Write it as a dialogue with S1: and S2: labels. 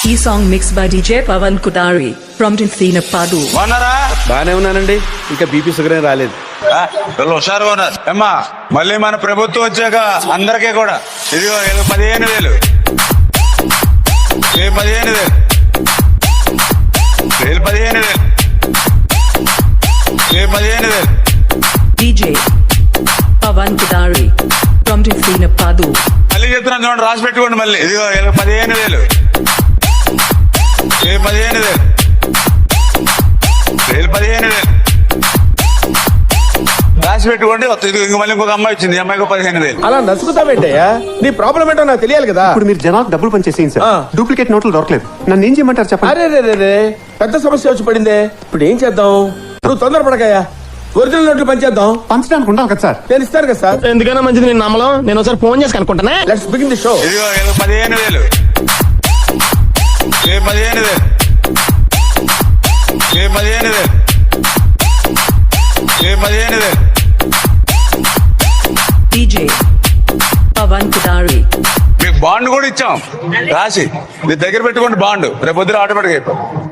S1: ఈ song mix by DJ Pavan Kudari from Tinapadu.
S2: బాగున్నారా?
S3: బానే ఉన్నానండి. ఇంకా బీపీ షుగర్ ఏం రాలేదు.
S2: వీళ్ళు హుషారుగా ఉన్నారు. అమ్మా మళ్ళీ మన ప్రభుత్వం వచ్చాక అందరికీ కూడా ఇదిగో 15,000 15,000 15,000 15,000
S1: DJ Pavan Kudari from Tinapadu.
S2: మళ్ళీ చెప్తున్నాను చూడండి, రాసి పెట్టుకోండి. మళ్ళీ ఇదిగో 15,000 15,000 15,000 రాసి పెట్టుకోండి. ఇంక మళ్ళీ ఇంకొక అమ్మాయి వచ్చింది, అమ్మాయికి 15,000.
S3: అలా నసుకుతావేంటయ్యా? నీ ప్రాబ్లం ఏంటో నాకు తెలియాలి కదా.
S4: ఇప్పుడు మీరు జనాలకు డబ్బులు పనిచేసేయండి సార్. డూప్లికేట్ నోట్లు దొరకలేదు. నన్ను ఏం చేయమంటారు చెప్పండి.
S3: అరే రే పెద్ద సమస్య వచ్చి పడిందే. ఇప్పుడు ఏం చేద్దాం? నువ్వు తొందరపడకయ్యా. ఒరిజినల్ నోట్లు పనిచేద్దాం.
S4: పంచడానికి ఉండాలి కదా సార్.
S3: నేను ఇస్తాను కదా సార్.
S5: ఎందుకైనా మంచిది నేను నమ్మలం. నేను ఒకసారి ఫోన్ చేసి కనుక్కుంటానే.
S3: Let's begin the show.
S2: ఇదిగో 15,000 15,000 15,000 15,000
S1: DJ పవన్ కుదారి.
S2: మీకు బాండ్ కూడా ఇచ్చాం రాసి. మీ దగ్గర పెట్టుకోండి బాండ్. రేపు పొద్దున ఆటోమేటిక్ అయిపోయి